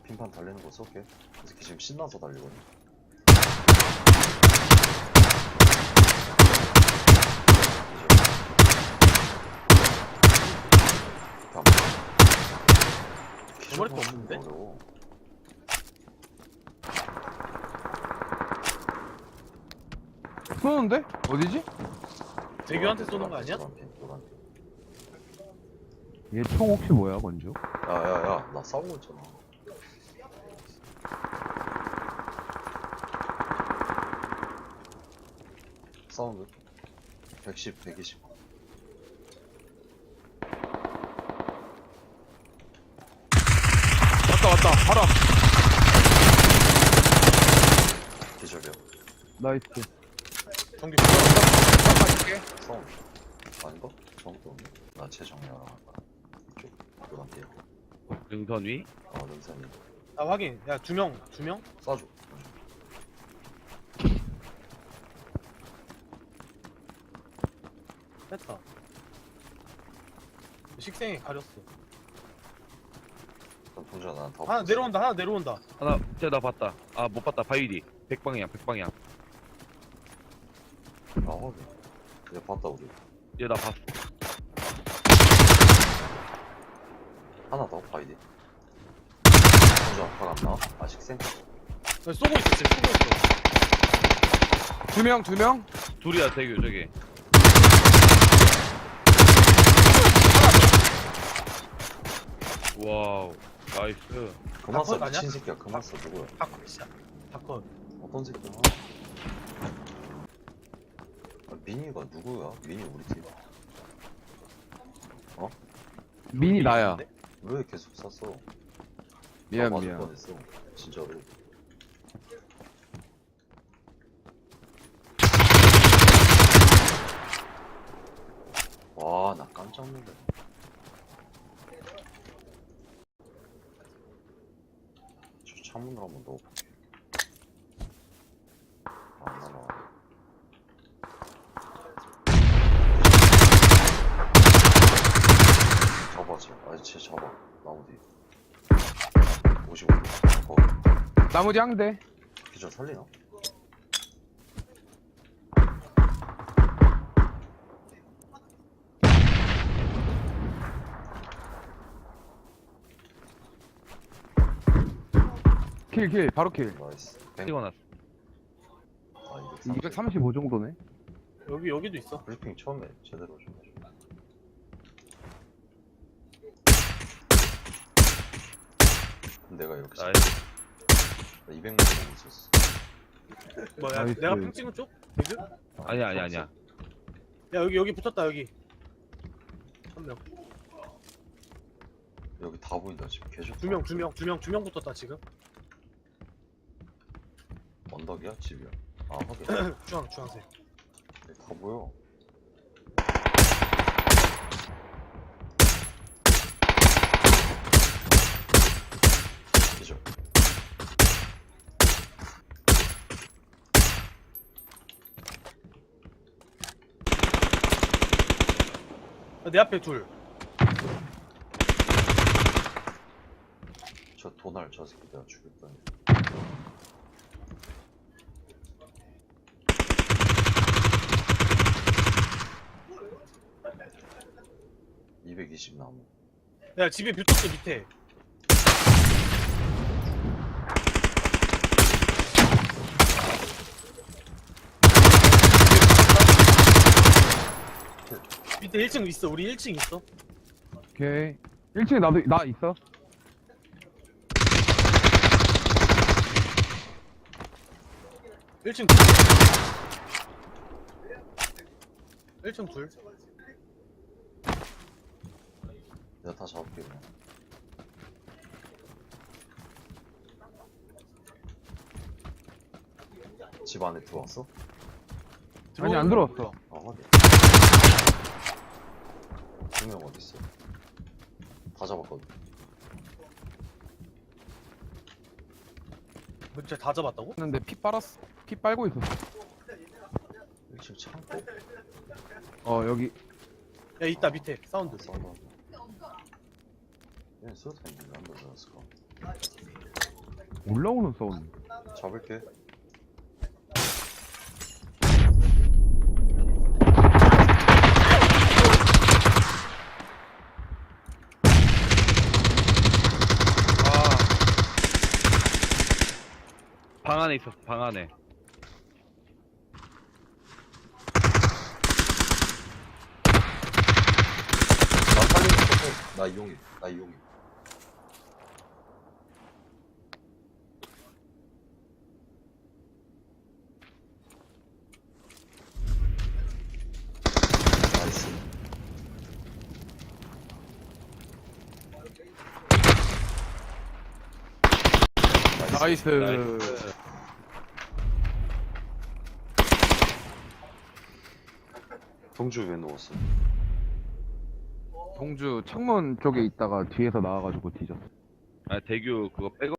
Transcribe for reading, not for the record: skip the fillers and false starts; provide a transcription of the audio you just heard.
핀판 달리는 거 쏠게. 이 새끼 지금 신나서 달리거든. 머리도 없는데? 어려워. 쏘는데? 어디지? 대규한테 쏘는 거 아니야? 노란 핀, 노란 핀. 얘 총 혹시 뭐야, 건조? 야야야, 나 싸우고 있잖아. 사운드 110, 120. 왔다, 바로 앞. 기절이야. 나이스. 경기 가줄게. 사운드 아닌가? 사운드 없네. 나 재정렬 이쪽 노란 핀. 능선 위? 능선이 아 확인. 야 2명 쏴줘. 뺐다. 식생이 가렸어. 그럼 동자 난더 하나 내려온다. 하나 내려온다. 하나, 쟤나 봤다. 아, 못 봤다. 바위디. 100방향. 아 확인. 이제 봤다 우리. 얘 나 봤어. 하나 더 바이디. 동자 아파가 안 나와? 아 식생? 야, 쏘고 있어. 지금 쏘고 있어. 두 명? 둘이야, 대규, 저기. 와우. 나이스. 그만 써 컷 아니야? 미친 새끼야. 그만 써 누구야? 다컷이야. 다컷. 어떤 새끼야? 미니가 누구야? 미니 우리 팀. 민이 나야. 왜 계속 쐈어? 미안, 나 맞을 미안. 뻔했어. 진짜로. 와, 나 깜짝 놀래. 저 창문으로 한번 넣어볼게. 안 나와. 잡아지. 아니, 쟤 잡아. 나무 뒤. 55. 거기. 나머지 한 대. 기절 살리나? 킬, 바로 킬. 나이스. 찍어놨어. 아, 235 정도네. 여기도 있어. 브리핑 처음에 제대로 좀 해줘. 내가 이렇게 나이스. 200만 원 있었어. 뭐야? 나이스. 내가 핑 찍은 쪽? 여기? 아니야. 야 여기 붙었다 여기. 한 명. 여기 다 보인다 지금. 개좋다. 두 명 붙었다 지금. 언덕이야? 집이야? 아 확인. 주황색. 다 보여. 기절. 내 앞에 둘. 저 도날 저 새끼 내가 죽일 뻔. 220 나무. 야 집에 붙었어 밑에. 밑에 1층 있어. 우리 1층 있어. 오케이. 1층에 나 있어. 일층 둘. 1층 둘. 내가 다 잡을게 그냥. 집 안에 들어왔어? 아니, 안 들어왔어. 아 확인. 두명 어딨어? 다 잡았거든. 진짜 다 잡았다고? 근데 피 빨았어. 피 빨고 있었어. 1층 창고? 여기. 야 있다 밑에 사운드. 싸운다. 얘는 수류탄 있는데 안 들어갔을까? 올라오는 사운드. 잡을게. 방 안에 있었어, 방 안에. 나 살리는 거. 나 이용해. 나 이용해. 나이스. 나이스. 나이스. 동주 왜 누웠어? 동주 창문 쪽에 있다가 뒤에서 나와가지고 뒤졌어. 아, 대규 그거 빼고